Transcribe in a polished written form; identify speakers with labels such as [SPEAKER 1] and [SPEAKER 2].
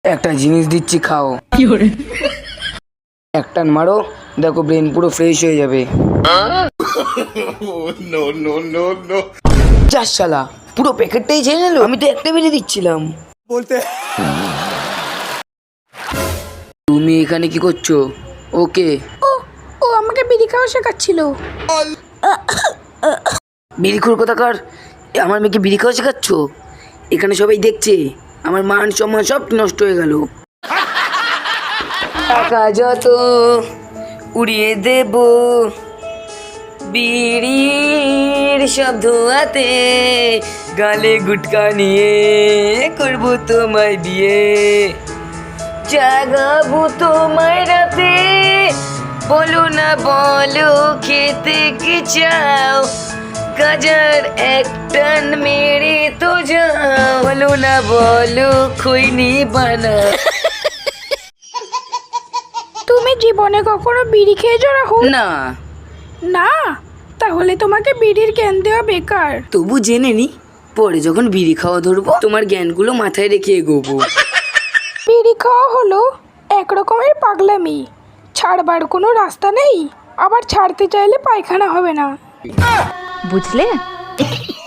[SPEAKER 1] একটা জিনিস দিচ্ছি, খাও। একটা মারো, দেখো ব্রেন পুরো ফ্রেশ হয়ে যাবে। যা শালা, পুরো প্যাকেটটাই ছেড়ে নিল। আমি তো একটা বেরিয়ে দিচ্ছিলাম। বলতে তুমি এখানে কি করছো? ওকে।
[SPEAKER 2] ও আমাকে বিড়ি খাওয়া শেখাচ্ছিল।
[SPEAKER 1] বিড়িখোর কোথাকার, আমার মেয়েকে বিড়ি খাওয়া শেখাচ্ছ? এখানে সবাই দেখছে, আমার মান সম্মান সব নষ্ট হয়ে গেল। টাকা যত উড়িয়ে দেব বিড়ির সব ধোয়াতে, গালে গুটকা নিয়ে করব তোমায় বিয়ে, জাগাবো তোমায় রাতে, বলো না বলো খেতে কি চাও, গাজার এক টান মেরে তো যাও, বলো না বলো খৈনি বানা।
[SPEAKER 2] তুমি জীবনে কখনো বিড়ি খেয়েছো রাহুল?
[SPEAKER 1] না,
[SPEAKER 2] না, তাহলে তোমাকে বিড়ির জ্ঞান দেওয়া বেকার।
[SPEAKER 1] তবু জেনে নি, পরে যখন বিড়ি খাওয়া ধরবো তোমার জ্ঞানগুলো মাথায় রেখে এগোবো।
[SPEAKER 2] বিড়ি খাওয়া হলো এক রকমের পাগলামি, ছাড়বার কোনো রাস্তা নেই, আবার ছাড়তে চাইলে পায়খানা হবে না।
[SPEAKER 3] বুঝলে?